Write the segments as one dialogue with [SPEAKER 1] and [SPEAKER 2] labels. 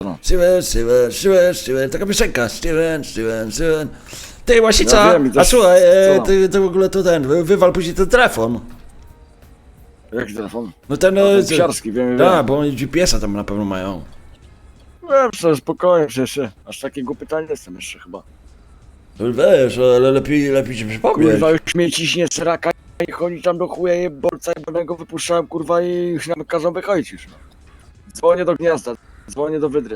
[SPEAKER 1] Steven, taka piosenka, Steven. Ty, Łasica,
[SPEAKER 2] Ja wiem, i
[SPEAKER 1] a
[SPEAKER 2] też-
[SPEAKER 1] słuchaj,
[SPEAKER 2] co?
[SPEAKER 1] ty w ogóle to wywal później ten telefon.
[SPEAKER 2] Jaki telefon?
[SPEAKER 1] No ten,
[SPEAKER 2] ten psiarski, wiem.
[SPEAKER 1] tak, bo oni GPS-a tam na pewno mają.
[SPEAKER 2] Wiem, że spokojnie, przecież aż takiego pytania nie jestem jeszcze chyba.
[SPEAKER 1] Wiesz, ale lepiej ci przypomnieć.
[SPEAKER 2] Kurwa, już mnie ciśnie sraka i chodzi tam do chuja jeborca jebanego wypuszczałem, kurwa, i już nam każą wychodzić już. Dzwonię do gniazda, dzwonię do wydry.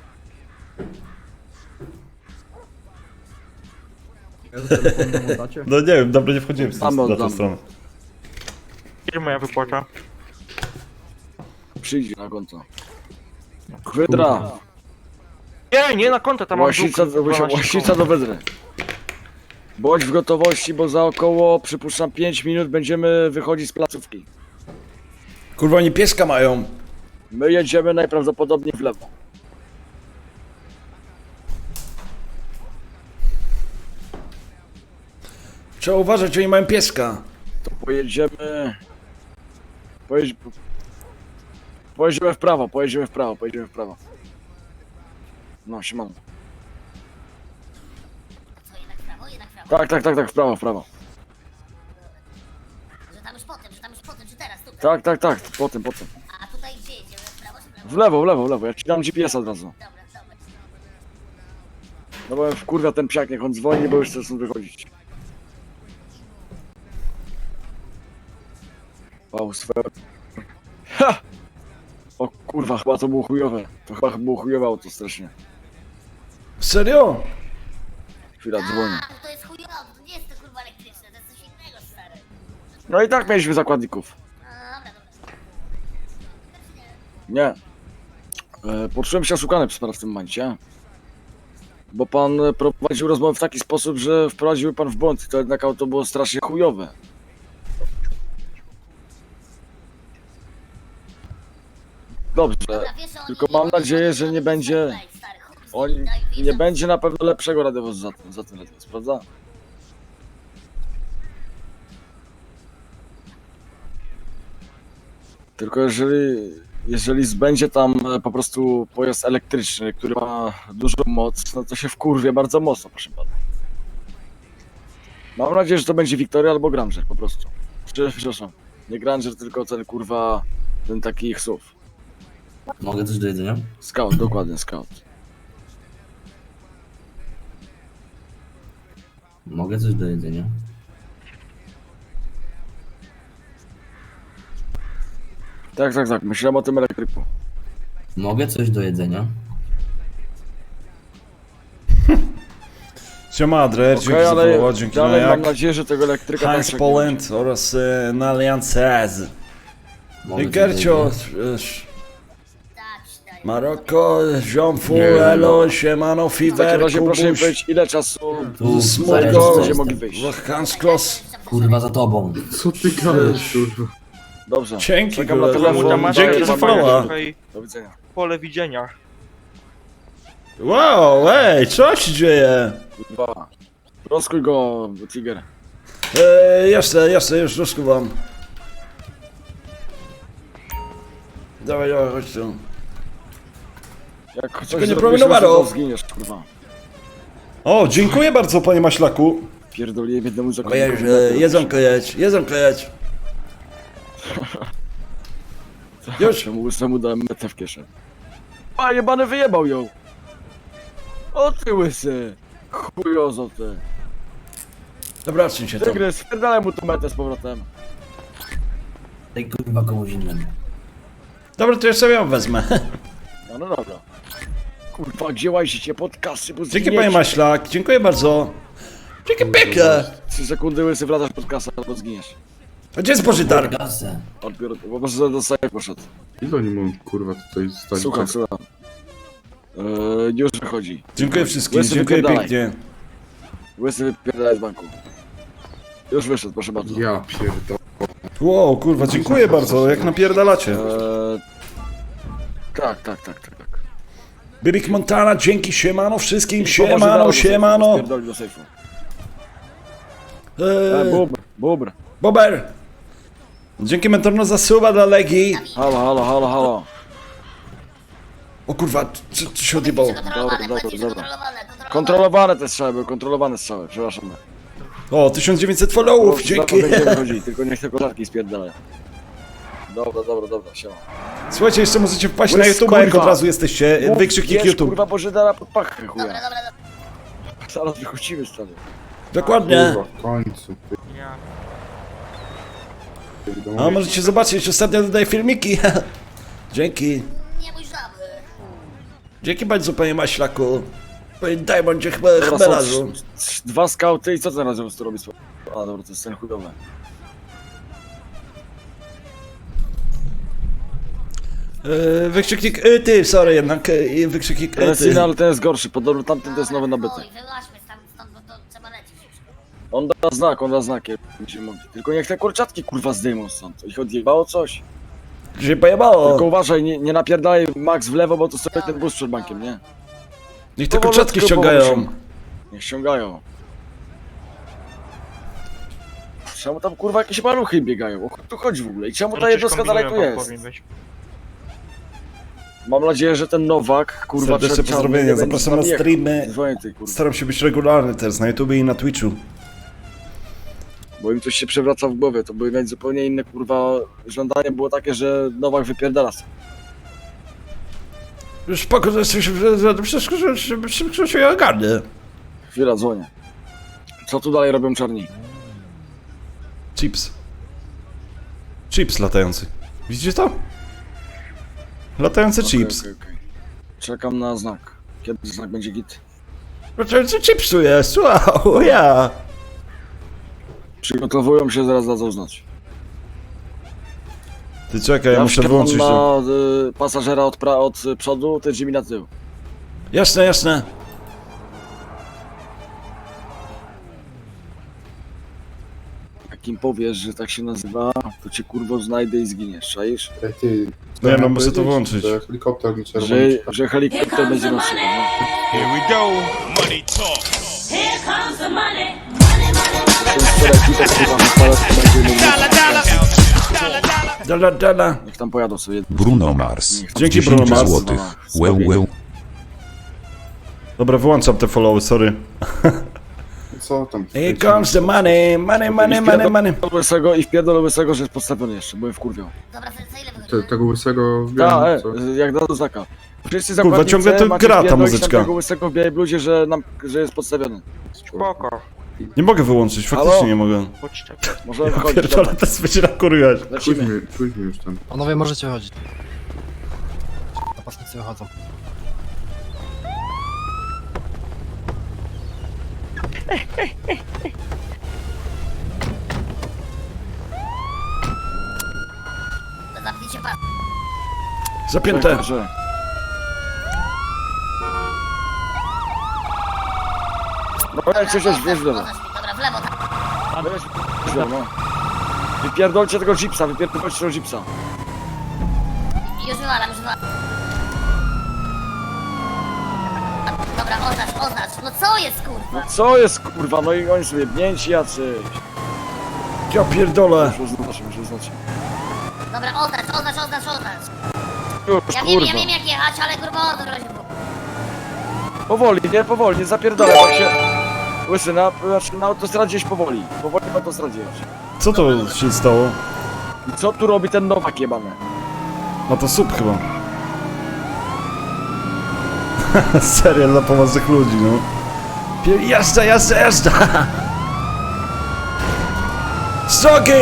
[SPEAKER 1] No nie wiem, dobrze nie wchodziłem
[SPEAKER 2] Tam
[SPEAKER 1] na tę
[SPEAKER 2] oddam.
[SPEAKER 1] stronę.
[SPEAKER 3] Ile moja wypłata?
[SPEAKER 2] Przyjdź na konto. Wydra,
[SPEAKER 3] Nie na konto, tam mam
[SPEAKER 2] łasica do wydry. Bądź w gotowości, bo za około, przypuszczam, 5 minut będziemy wychodzić z placówki.
[SPEAKER 1] Kurwa, oni pieska mają.
[SPEAKER 2] My jedziemy najprawdopodobniej w lewo.
[SPEAKER 1] Trzeba uważać, oni mają pieska.
[SPEAKER 2] To pojedziemy... Pojedziemy w prawo. No, siemano.
[SPEAKER 4] Co, jednak w prawo, jednak w prawo?
[SPEAKER 2] Tak, w prawo.
[SPEAKER 4] Że tam już potem, czy teraz, tutaj?
[SPEAKER 2] Tak, potem.
[SPEAKER 4] A tutaj gdzie jedziemy? W prawo czy w
[SPEAKER 2] W
[SPEAKER 4] lewo?
[SPEAKER 2] lewo, ja ci dam GPS od razu.
[SPEAKER 4] Dobra.
[SPEAKER 2] No bo wkurwia ten psiak, niech on dzwoni, bo już chce stąd wychodzić. Wow, swoje... Ha! O kurwa, chyba to było chujowe. Auto strasznie.
[SPEAKER 1] Serio?
[SPEAKER 2] Chwila, dzwonię.
[SPEAKER 4] A, to jest chujowe, to nie jest to kurwa elektryczne, to jest coś innego, stary.
[SPEAKER 2] No i tak mieliśmy zakładników.
[SPEAKER 4] A, dobra.
[SPEAKER 2] Nie. Poczułem się oszukany przez pana w tym momencie. Bo pan prowadził rozmowę w taki sposób, że wprowadził pan w błąd i to jednak auto było strasznie chujowe. Dobrze,
[SPEAKER 4] Dobra, wiesz, że oni
[SPEAKER 2] tylko
[SPEAKER 4] nie
[SPEAKER 2] mam
[SPEAKER 4] mogą
[SPEAKER 2] nadzieję, że
[SPEAKER 4] żadnych
[SPEAKER 2] nie będzie...
[SPEAKER 4] tutaj, stary, chuj z
[SPEAKER 2] On
[SPEAKER 4] nimi, daj,
[SPEAKER 2] nie
[SPEAKER 4] wiedzą.
[SPEAKER 2] będzie na pewno lepszego radiowozu za ten radiowóz, prawda? Tylko jeżeli będzie tam po prostu pojazd elektryczny, który ma dużą moc, no to się wkurwie bardzo mocno, proszę pana. Mam nadzieję, że to będzie Victoria albo Granger po prostu. Przepraszam, nie Granger, tylko ten kurwa, ten taki ich SUV.
[SPEAKER 5] Mogę coś do jedzenia?
[SPEAKER 2] Scout, dokładnie, Scout.
[SPEAKER 5] Mogę coś do jedzenia?
[SPEAKER 2] Tak, myślałem o tym elektryku.
[SPEAKER 5] Mogę coś do jedzenia?
[SPEAKER 1] Siema, Adrer, dzięki
[SPEAKER 2] Okej,
[SPEAKER 1] za
[SPEAKER 2] ale
[SPEAKER 1] followa, dzięki na
[SPEAKER 2] dalej mam
[SPEAKER 1] jak.
[SPEAKER 2] nadzieję, że tego elektryka
[SPEAKER 1] Heinz
[SPEAKER 2] tak nie będzie.
[SPEAKER 1] Poland oraz Nalian Cez.
[SPEAKER 5] Mogę coś do
[SPEAKER 1] Gercio,
[SPEAKER 5] jedzenia?
[SPEAKER 4] Tak, daj.
[SPEAKER 1] Maroko, ziom Elo, siemano,
[SPEAKER 2] W takim
[SPEAKER 1] Fiver,
[SPEAKER 2] razie proszę mi
[SPEAKER 1] Kubuś,
[SPEAKER 2] powiedzieć, ile czasu
[SPEAKER 5] Tu,
[SPEAKER 1] Smolgo,
[SPEAKER 5] zaraz
[SPEAKER 2] będziecie
[SPEAKER 5] jestem.
[SPEAKER 2] mogli wyjść.
[SPEAKER 1] Hans Kloss.
[SPEAKER 5] Kurwa za tobą.
[SPEAKER 6] Co ty gadasz, kurwa?
[SPEAKER 2] Dobrze,
[SPEAKER 1] Dzięki,
[SPEAKER 2] czekam na
[SPEAKER 1] kurwa.
[SPEAKER 2] telefon.
[SPEAKER 1] Dzięki za followa.
[SPEAKER 2] Do widzenia.
[SPEAKER 3] Pole widzenia.
[SPEAKER 1] Wow, ej, co się dzieje?
[SPEAKER 2] Kurwa. Rozkuj go, Tiger.
[SPEAKER 1] Jasne, już rozkuwam. Dawaj, chodź tu.
[SPEAKER 2] Jak coś
[SPEAKER 1] nie
[SPEAKER 2] zrobisz,
[SPEAKER 1] promienowaro.
[SPEAKER 2] to zginiesz, kurwa.
[SPEAKER 1] O, dziękuję bardzo, panie Maślaku.
[SPEAKER 2] Pierdoliłem jednemu
[SPEAKER 1] Ojej,
[SPEAKER 2] zakładnikowi.
[SPEAKER 1] jedzonko jedź. Już.
[SPEAKER 2] Czemu łysemu dałem metę w kieszeń? A, jebany wyjebał ją! O ty łysy! Chujozo ty!
[SPEAKER 1] Dobra, odsuń się tam.
[SPEAKER 2] Tygrys, wpierdalaj mu tu metę z powrotem.
[SPEAKER 5] Daj kurwa komuś innemu.
[SPEAKER 1] Dobra, to ja sobie ją wezmę.
[SPEAKER 2] No dobra. Kurwa, gdzie łazicie pod kasy, bo
[SPEAKER 1] Dzięki,
[SPEAKER 2] zginiecie.
[SPEAKER 1] panie Maślak, dziękuję bardzo. Dzięki pięknie.
[SPEAKER 2] 3 sekundy łysy wladasz pod kasę, albo zginiesz.
[SPEAKER 1] A gdzie jest pożytar?
[SPEAKER 5] Gasę.
[SPEAKER 2] Odbiór, bo może do safe poszedł.
[SPEAKER 6] Ile oni mogą, kurwa, tutaj stać?
[SPEAKER 2] Słucham. Już wychodzi.
[SPEAKER 1] Dziękuję wszystkim,
[SPEAKER 2] Łysy,
[SPEAKER 1] dziękuję
[SPEAKER 2] wypierdalaj.
[SPEAKER 1] pięknie.
[SPEAKER 2] Łysy wypierdalaj z banku. Już wyszedł, proszę bardzo.
[SPEAKER 6] Ja pierdolę.
[SPEAKER 1] Wow, kurwa, dziękuję bardzo, jak napierdalacie.
[SPEAKER 2] Tak.
[SPEAKER 1] Bibik Montana, dzięki, siemano wszystkim,
[SPEAKER 2] Położy
[SPEAKER 1] siemano.
[SPEAKER 2] Spierdoli do sejfu. Bubr.
[SPEAKER 1] Bober. Dzięki Mentorno za suba dla Legii.
[SPEAKER 2] Halo.
[SPEAKER 1] O kurwa, co się odjebało?
[SPEAKER 4] Kontrolowane,
[SPEAKER 2] Dobra,
[SPEAKER 4] płacisz
[SPEAKER 2] dobra.
[SPEAKER 4] kontrolowane.
[SPEAKER 2] Kontrolowane te strzały były, kontrolowane strzały, przepraszam.
[SPEAKER 1] O, 1900 followów, dzięki.
[SPEAKER 2] Będziemy chodzić, tylko niech te kolarki spierdalają. Dobra, siema.
[SPEAKER 1] Słuchajcie, jeszcze możecie wpaść na
[SPEAKER 2] Łys,
[SPEAKER 1] YouTube, jak
[SPEAKER 2] kurwa.
[SPEAKER 1] od razu jesteście. Wykrzyknik
[SPEAKER 2] Wiesz,
[SPEAKER 1] YouTube.
[SPEAKER 2] kurwa, Bożydara pod pachę, chuja.
[SPEAKER 4] Dobra.
[SPEAKER 2] Zaraz wychodzimy stary.
[SPEAKER 1] Dokładnie.
[SPEAKER 6] Kurwa, w końcu.
[SPEAKER 3] Ja.
[SPEAKER 1] A możecie zobaczyć, ostatnio dodaję filmiki. Dzięki.
[SPEAKER 4] Nie mój żaby.
[SPEAKER 1] Dzięki bardzo, panie Maślaku. Panie Diamondzie
[SPEAKER 2] Dobra, są
[SPEAKER 1] Chmelazu.
[SPEAKER 2] 2 skauty i co ten razem tu robi? A dobra, to jest ten chujowy.
[SPEAKER 1] Wykrzyknik ty, sorry jednak. Wykrzyknik
[SPEAKER 2] Ten jest
[SPEAKER 1] ty.
[SPEAKER 2] inny, ale ten jest gorszy, podobno tamten to jest nowy nabyty.
[SPEAKER 4] Oj, wyłaźmy stąd, bo to trzeba lecieć już.
[SPEAKER 2] On da znak, jak będziemy mogli. Tylko niech te kurczatki kurwa zdejmą stąd. Ich odjebało coś.
[SPEAKER 1] Się pojebało.
[SPEAKER 2] Tylko uważaj, nie napierdalaj Max w lewo, bo to sobie ten bus przed bankiem, nie?
[SPEAKER 1] Niech te kurczatki ściągają.
[SPEAKER 2] Niech ściągają. Czemu tam kurwa jakieś maluchy biegają? O chuj tu chodzi w ogóle? I czemu ta jednostka dalej tu jest? Mam nadzieję, że ten Nowak, kurwa,
[SPEAKER 1] Serdeczne
[SPEAKER 2] przed czarnym
[SPEAKER 1] pozdrowienia,
[SPEAKER 2] nie będzie
[SPEAKER 1] zapraszam na
[SPEAKER 2] z nami
[SPEAKER 1] streamy.
[SPEAKER 2] jechał. Dzwonię tej, kurwa.
[SPEAKER 1] Staram się być regularny teraz na YouTube i na Twitchu.
[SPEAKER 2] Bo im coś się przewraca w głowie, to były mieć zupełnie inne, kurwa, żądanie było takie, że Nowak wypierdala.
[SPEAKER 1] Już spoko, że wszystko się ogarnie.
[SPEAKER 2] Chwila, dzwonię. Co tu dalej robią czarni?
[SPEAKER 1] Chips. Chips latający. Widzicie to? Latający chips.
[SPEAKER 2] Okej. Czekam na znak. Kiedy znak będzie git?
[SPEAKER 1] Latający chips tu jest, wow, ja.
[SPEAKER 2] Przygotowują się, zaraz dadzą znać.
[SPEAKER 1] Ty czekaj, ja muszę
[SPEAKER 2] wsiadam
[SPEAKER 1] wyłączyć to.
[SPEAKER 2] na pasażera od przodu, ty drzwi na tył.
[SPEAKER 1] Jasne.
[SPEAKER 2] Jak im powiesz, że tak się nazywa, to cię kurwo znajdę i zginiesz, czaisz?
[SPEAKER 6] Ej, ty.
[SPEAKER 1] No ja
[SPEAKER 6] mam
[SPEAKER 1] muszę to
[SPEAKER 6] powiedzieć,
[SPEAKER 1] włączyć.
[SPEAKER 6] że helikopter mi czerwony.
[SPEAKER 2] Że helikopter będzie naszego, no.
[SPEAKER 7] Here we go. Money talk.
[SPEAKER 4] Here comes the money.
[SPEAKER 2] Ten wczoraj kitę kurwa wypala, to będzie
[SPEAKER 1] Dala.
[SPEAKER 2] niech tam pojadą sobie.
[SPEAKER 8] Bruno Mars.
[SPEAKER 2] Niech tam
[SPEAKER 1] Dzięki,
[SPEAKER 8] 10
[SPEAKER 1] Bruno Mars.
[SPEAKER 8] złotych. Łeł.
[SPEAKER 1] Dobra, wyłączam te followy, sorry.
[SPEAKER 6] Co tam?
[SPEAKER 1] Here comes the money.
[SPEAKER 2] Łysego i wpierdolę Łysego, że jest podstawiony jeszcze, byłem wkurwiał.
[SPEAKER 4] Dobra, za ile wychodzi?
[SPEAKER 6] Tego łysego w
[SPEAKER 2] Ta,
[SPEAKER 6] białym, co?
[SPEAKER 2] jak dadzą znaka. Wszyscy
[SPEAKER 1] Kurwa,
[SPEAKER 2] zakładnicy
[SPEAKER 1] ciągle to
[SPEAKER 2] macie
[SPEAKER 1] gra ta
[SPEAKER 2] wpierdolić
[SPEAKER 1] muzyczka.
[SPEAKER 2] Tego Łysego w białej bluzie, że jest podstawiony.
[SPEAKER 3] Spoko.
[SPEAKER 1] Nie mogę wyłączyć, faktycznie
[SPEAKER 2] Halo?
[SPEAKER 1] nie mogę.
[SPEAKER 3] Chodźcie.
[SPEAKER 2] Możemy
[SPEAKER 1] Ja
[SPEAKER 2] wychodzić,
[SPEAKER 1] pierdolę,
[SPEAKER 2] dobra.
[SPEAKER 1] teraz będzie nakurwiać.
[SPEAKER 2] Lecimy.
[SPEAKER 6] Pójdźmy już tam.
[SPEAKER 9] Panowie, możecie chodzić. Napastnicy wychodzą.
[SPEAKER 4] Zamknijcie pas.
[SPEAKER 1] Zapięte.
[SPEAKER 2] Że... Dobra, jak coś jest, wiesz, dobra.
[SPEAKER 4] Dobra, w lewo, tak.
[SPEAKER 2] Wiesz, no. Wypierdolcie tego jeepsa, wypierdolcie tego jeepsa.
[SPEAKER 4] Już wywalam. Dobra, oznacz. No co jest, kurwa?
[SPEAKER 2] No co jest kurwa, no i oni sobie bnięci jacyś.
[SPEAKER 1] Ja pierdolę.
[SPEAKER 2] Muszę znać.
[SPEAKER 4] Dobra, oznacz.
[SPEAKER 2] Już,
[SPEAKER 4] Ja
[SPEAKER 2] kurwa.
[SPEAKER 4] wiem jak jechać, ale kurwa o to chodzi.
[SPEAKER 2] Powoli, nie zapierdolę, bo się... Łysy, na autostradzie jeźdź powoli. Powoli na autostradzie jeźdź.
[SPEAKER 1] Co to się stało?
[SPEAKER 2] I co tu robi ten Nowak jebany?
[SPEAKER 1] No to sub chyba. Serial dla poważnych ludzi, no. Jazda! Strogi!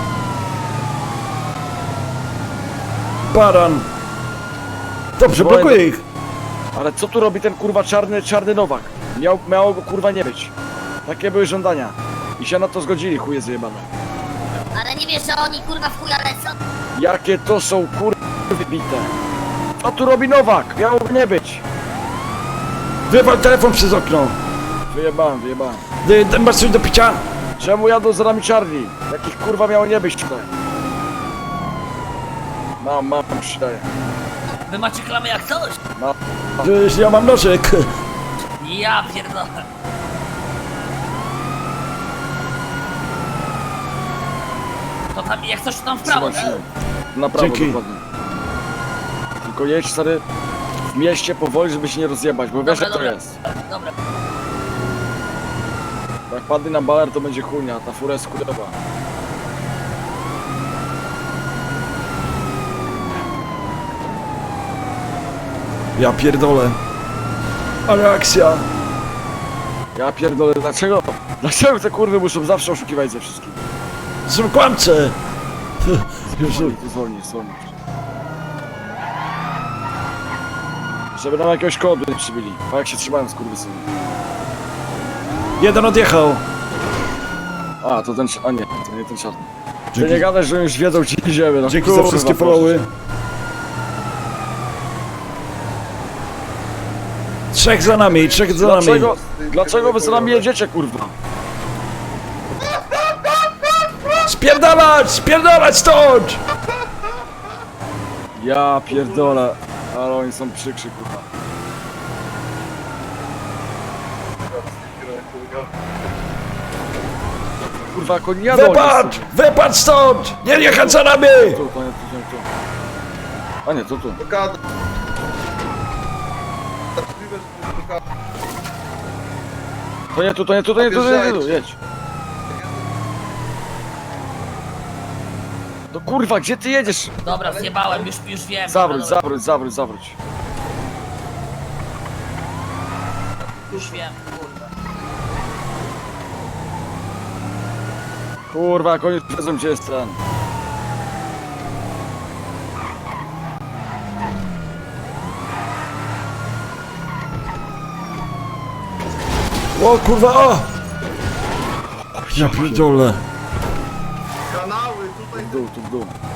[SPEAKER 1] Baran! Dobrze,
[SPEAKER 2] Dwoje
[SPEAKER 1] blokuję ich.
[SPEAKER 2] Ale co tu robi ten kurwa czarny Nowak? Miało go kurwa nie być. Takie były żądania. I się na to zgodzili, chuje zjebane.
[SPEAKER 4] Ale nie wiesz, że oni kurwa w chuja lecą?
[SPEAKER 2] Jakie to są kurwa wybite. Co tu robi Nowak? Miało go nie być.
[SPEAKER 1] Wywal telefon przez okno.
[SPEAKER 2] Wyjebałem.
[SPEAKER 1] Masz coś do picia?
[SPEAKER 2] Czemu jadą za nami czarni? Jakich kurwa miało nie być tutaj? Mam, przydaję.
[SPEAKER 10] Wy macie klamy jak coś?
[SPEAKER 1] Ja mam nożyk.
[SPEAKER 10] Ja pierdolę. To tam, jak coś to tam w prawo,
[SPEAKER 2] Trzymaj
[SPEAKER 10] nie?
[SPEAKER 2] się. Na prawo
[SPEAKER 1] Dzięki.
[SPEAKER 2] dokładnie. Tylko jedź stary w mieście powoli, żeby się nie rozjebać, bo wiesz jak to
[SPEAKER 10] dobra.
[SPEAKER 2] jest.
[SPEAKER 10] Dobra.
[SPEAKER 2] Jak padnie na baler, to będzie chujnia, a ta fura jest kurwa.
[SPEAKER 1] Ja pierdolę. Ale akcja.
[SPEAKER 2] Ja pierdolę, dlaczego? Dlaczego te kurwy muszą zawsze oszukiwać ze wszystkim?
[SPEAKER 1] Są kłamce. Jezu.
[SPEAKER 2] Zwolnij. Żeby nam jakiegoś kodu nie przybili. A jak się trzymałem z kurwysyny.
[SPEAKER 1] Jeden odjechał.
[SPEAKER 2] A, to ten... A nie, to nie ten czarny. Ty
[SPEAKER 1] Dzięki,
[SPEAKER 2] nie gadaj, że już wiedzą gdzie idziemy. No,
[SPEAKER 1] dzięki za
[SPEAKER 2] kurwa,
[SPEAKER 1] wszystkie
[SPEAKER 2] proszę
[SPEAKER 1] followy.
[SPEAKER 2] cię.
[SPEAKER 1] 3 za nami, 3 za nami.
[SPEAKER 2] Dlaczego wy za nami jedziecie, kurwa?
[SPEAKER 1] Spierdalać stąd!
[SPEAKER 2] Ja pierdolę. Ale oni są przykrzy, kurwa. Kurwa, jak oni jadą.
[SPEAKER 1] Wypadł stąd! Nie jechać za nami!
[SPEAKER 2] Tu. A nie, to tu. To nie tu, jedź. No kurwa, gdzie ty jedziesz?
[SPEAKER 10] Dobra, zjebałem, już wiem.
[SPEAKER 2] Zawróć.
[SPEAKER 10] Już wiem, kurwa.
[SPEAKER 2] Kurwa, jak oni wiedzą gdzie jest ten.
[SPEAKER 1] O kurwa, o! Ja pierdolę.
[SPEAKER 2] W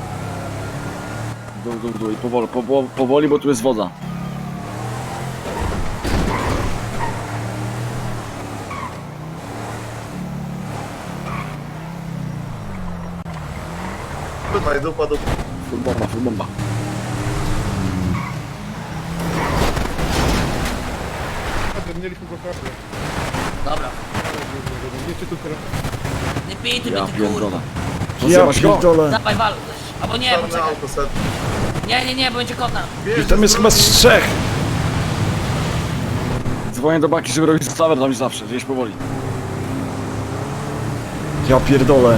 [SPEAKER 2] dół i powoli, bo tu jest woda. Full bomba.
[SPEAKER 10] Dobra. Nie pij ty
[SPEAKER 2] Ja
[SPEAKER 10] mnie, ty kurwa.
[SPEAKER 2] pierdolę.
[SPEAKER 1] Ja
[SPEAKER 2] Rozjebasz go?
[SPEAKER 1] pierdolę.
[SPEAKER 10] Dawaj wal. Albo nie, poczekaj. Nie, bo będzie kota.
[SPEAKER 1] I tam jest chyba z 3.
[SPEAKER 2] Dzwonię do baki, żeby robić stawę tam zawsze, gdzieś powoli.
[SPEAKER 1] Ja pierdolę.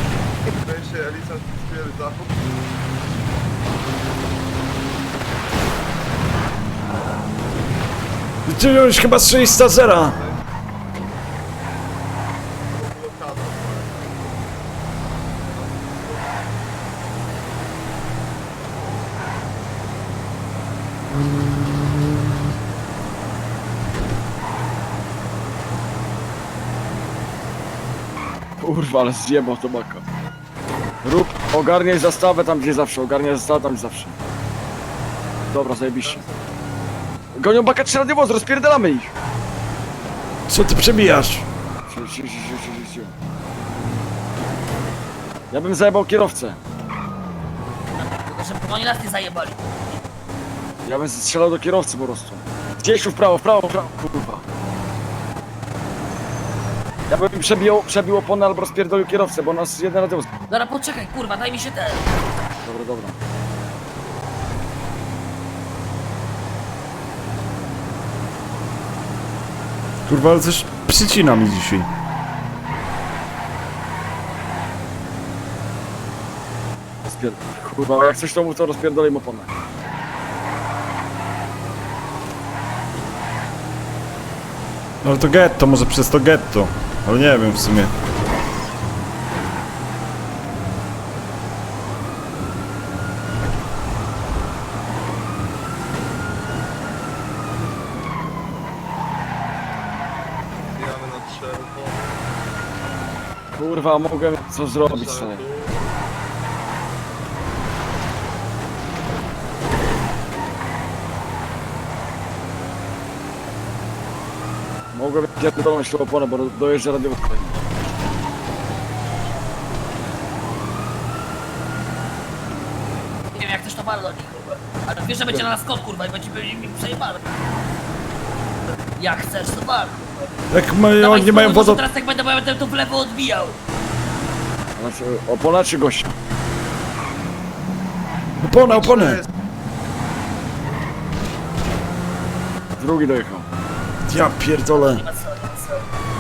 [SPEAKER 1] I ty już chyba z 300 zera.
[SPEAKER 2] Kurwa, ale zjebał to baka. Ogarniaj zastawę tam gdzie zawsze, Dobra, zajebiście. Gonią baka 3 radiowoz, rozpierdalamy ich.
[SPEAKER 1] Co ty przebijasz?
[SPEAKER 2] Ciu. Ja bym zajebał kierowcę.
[SPEAKER 10] Tylko żeby oni nas nie zajebali.
[SPEAKER 2] Ja bym strzelał do kierowcy po prostu. Gdzieś tu w prawo, kurwa. Ja bym przebił oponę albo rozpierdolił kierowcę, bo nas jeden radiowóz.
[SPEAKER 10] Dobra, poczekaj, kurwa, daj mi się ten.
[SPEAKER 2] Dobra.
[SPEAKER 1] Kurwa, ale coś przycina mi dzisiaj.
[SPEAKER 2] Kurwa, jak coś to mów, to rozpierdolę im oponę.
[SPEAKER 1] Ale to getto, może przez to getto. Ale nie wiem w sumie.
[SPEAKER 2] Kurwa, mogę co zrobić sobie. Mogłem pierdolnąć tą oponę, bo dojeżdża radiowóz.
[SPEAKER 10] Nie wiem jak też to bardzo do nich, kurwa. Ale wiesz, że będzie na nas kot, kurwa, i będzie mi przejebane. Jak chcesz, to bar, kurwa.
[SPEAKER 1] Jak mają,
[SPEAKER 10] Dawaj,
[SPEAKER 1] nie mają
[SPEAKER 10] spróbuj,
[SPEAKER 1] wodą...
[SPEAKER 10] może teraz tak będę, bo ja będę tu w lewo odbijał.
[SPEAKER 2] Znaczy, opona czy gościa? Drugi dojechał.
[SPEAKER 1] Ja pierdolę.
[SPEAKER 10] Nie ma co, nie ma co.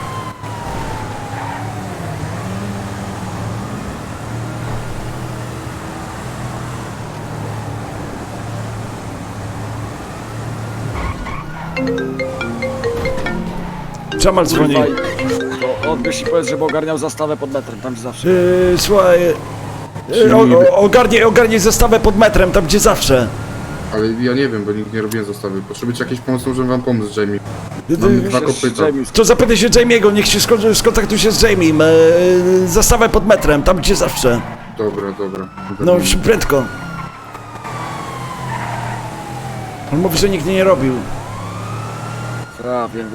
[SPEAKER 1] Czamal dzwoni.
[SPEAKER 2] Kurwa, to odbierz i powiedz, żeby ogarniał zastawę pod metrem, tam gdzie zawsze.
[SPEAKER 1] Słuchaj, ogarnij zestawę pod metrem, tam gdzie zawsze.
[SPEAKER 6] Ale ja nie wiem, bo nigdy nie robiłem zestawy. Potrzebujecie jakiejś pomocy, możemy wam pomóc, Jamie. Mam dwa kopyta.
[SPEAKER 2] James,
[SPEAKER 1] To zapytaj się Jamie'ego, niech się skontaktuje się z Jamie'em. Zastawę pod metrem, tam gdzie zawsze.
[SPEAKER 6] Dobra, dobra.
[SPEAKER 1] No już prędko. On mówi, że nigdy nie robił.
[SPEAKER 2] A, wiem.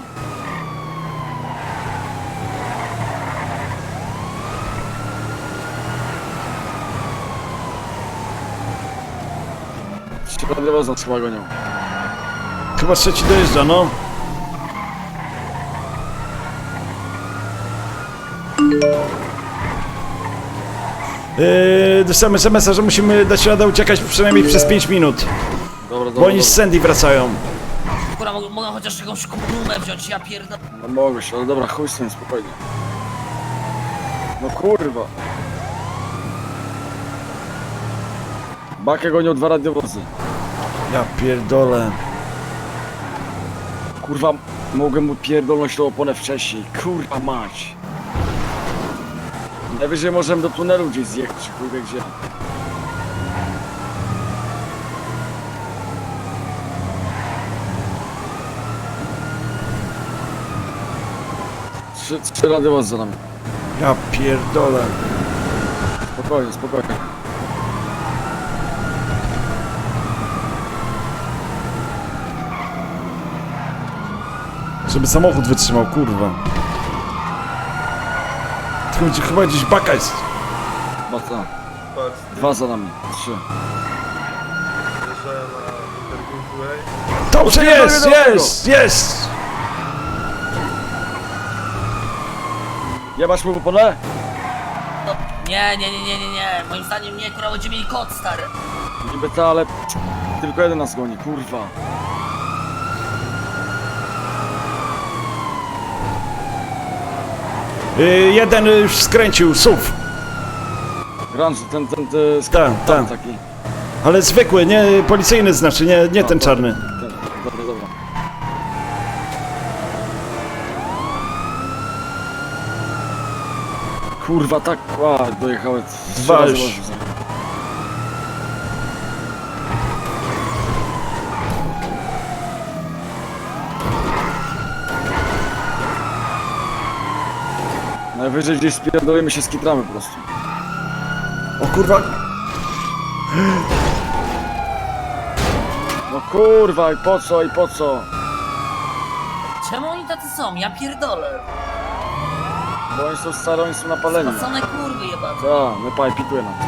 [SPEAKER 2] Środkowo chyba gonią.
[SPEAKER 1] Chyba trzeci dojeżdża, no. Dostałem SMS-a, że musimy dać radę uciekać przynajmniej przez 5 minut.
[SPEAKER 2] Dobra.
[SPEAKER 1] Bo oni z Sandy wracają.
[SPEAKER 10] Kurwa, mogę chociaż jakąś kumę wziąć, ja pierdolę.
[SPEAKER 2] No mogę się, ale dobra, chuj z tym, spokojnie. No kurwa. Bakę gonią 2 radiowozy.
[SPEAKER 1] Ja pierdolę.
[SPEAKER 2] Kurwa, mogę mu pierdolnąć tą oponę wcześniej. Kurwa mać. Najwyżej możemy do tunelu gdzieś zjechać, czy chuj wie gdzie. Trzy radiowozy za nami.
[SPEAKER 1] Ja pierdolę.
[SPEAKER 2] Spokojnie.
[SPEAKER 1] Żeby samochód wytrzymał, kurwa. Chyba gdzieś baka jest.
[SPEAKER 2] Mocno. 2 za nami. 3.
[SPEAKER 1] Dobrze, jest!
[SPEAKER 2] Jebasz mu w oponę?
[SPEAKER 10] No, nie. Moim zdaniem nie, kurwa, będziemy mieli kod, stary.
[SPEAKER 2] Niby to, ale tylko jeden nas goni, kurwa.
[SPEAKER 1] Jeden już skręcił, SUV.
[SPEAKER 2] Grunge, ten
[SPEAKER 1] Tak.
[SPEAKER 2] taki.
[SPEAKER 1] Ale zwykły, nie policyjny znaczy, nie ten czarny.
[SPEAKER 2] Dobra. Kurwa, tak, dojechałem.
[SPEAKER 1] 2 już.
[SPEAKER 2] Najwyżej gdzieś spierdolimy się, skitramy po prostu.
[SPEAKER 1] O kurwa.
[SPEAKER 2] No kurwa, i po co?
[SPEAKER 10] Czemu oni tacy są? Ja pierdolę.
[SPEAKER 2] Bo oni są stare, oni są napaleni.
[SPEAKER 10] Spacone kurwy jebane.
[SPEAKER 2] Tak, my pituje nam.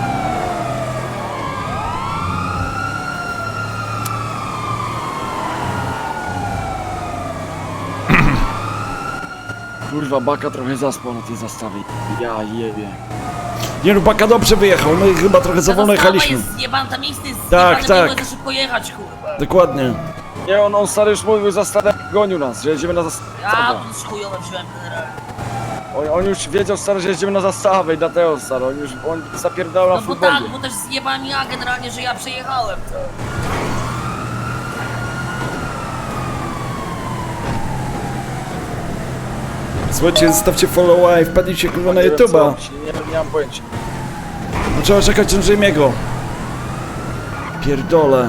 [SPEAKER 2] Kurwa, Baka trochę zaspał na tej zastawie. Ja jebie.
[SPEAKER 1] Nie no, baka dobrze wyjechał, my chyba trochę za wolno jechaliśmy.
[SPEAKER 10] Jest zjebane, tam miejsce jest
[SPEAKER 1] Tak,
[SPEAKER 10] zjebane,
[SPEAKER 1] tak.
[SPEAKER 10] nie mogę za szybko jechać, kurwa.
[SPEAKER 1] Dokładnie.
[SPEAKER 2] Nie, on stary już mówił za stare, gonił nas, że jedziemy na zastawę.
[SPEAKER 10] Ja to chujowe wziąłem generalnie.
[SPEAKER 2] On już wiedział, stary, że jedziemy na zastawę i dlatego, stary, on zapierdał na
[SPEAKER 10] No bo
[SPEAKER 2] futbolu.
[SPEAKER 10] tak, bo też zjebałem ja generalnie, że ja przejechałem to.
[SPEAKER 1] Słuchajcie, zostawcie follow i wpadnijcie kurwa na
[SPEAKER 2] Nie wiem, co
[SPEAKER 1] YouTube'a.
[SPEAKER 2] robić, nie mam pojęcia.
[SPEAKER 1] No trzeba czekać na Jamie'ego. Pierdolę.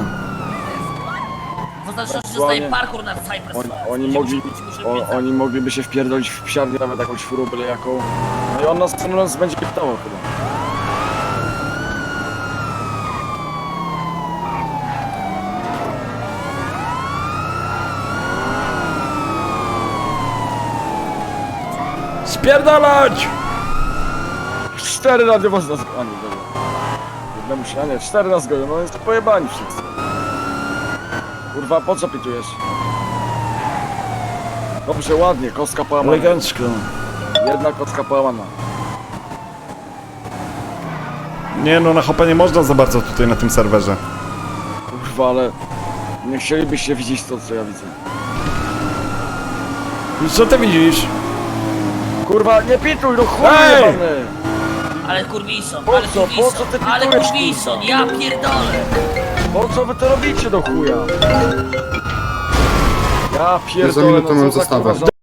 [SPEAKER 10] W zależności
[SPEAKER 2] Aktualnie-
[SPEAKER 10] dostaje parkour na Cypress.
[SPEAKER 2] Oni mogliby się wpierdolić w psiarnię, nawet jakąś furą byle jaką. No i on nas będzie pytało chyba.
[SPEAKER 1] Spierdalać!
[SPEAKER 2] 4 radiowozy nas gonią. Jednemu się, a nie, 4 nas gonią, no jest pojebani wszyscy. Kurwa, po co pitujesz? Dobrze, ładnie, kostka połamana.
[SPEAKER 1] Elegancko.
[SPEAKER 2] Jedna kostka połamana.
[SPEAKER 1] Nie no, na hopa nie można za bardzo tutaj na tym serwerze.
[SPEAKER 2] Kurwa, ale Nie chcielibyście widzieć to, co ja widzę.
[SPEAKER 1] Co ty widzisz?
[SPEAKER 2] Kurwa, nie pituj, no chuj
[SPEAKER 1] Ej!
[SPEAKER 2] jebany!
[SPEAKER 10] Ale kurwison,
[SPEAKER 2] Po
[SPEAKER 10] ale
[SPEAKER 2] co? Po
[SPEAKER 10] kurwison,
[SPEAKER 2] co ty
[SPEAKER 10] ale
[SPEAKER 2] pitujesz,
[SPEAKER 10] kurwison,
[SPEAKER 2] kurwa?
[SPEAKER 10] ja pierdolę.
[SPEAKER 2] Po co wy to robicie do chuja? Ja
[SPEAKER 6] Za
[SPEAKER 2] pierdolę,
[SPEAKER 6] minutę
[SPEAKER 2] no
[SPEAKER 6] mam
[SPEAKER 2] co za
[SPEAKER 6] zastawę.
[SPEAKER 2] kurwa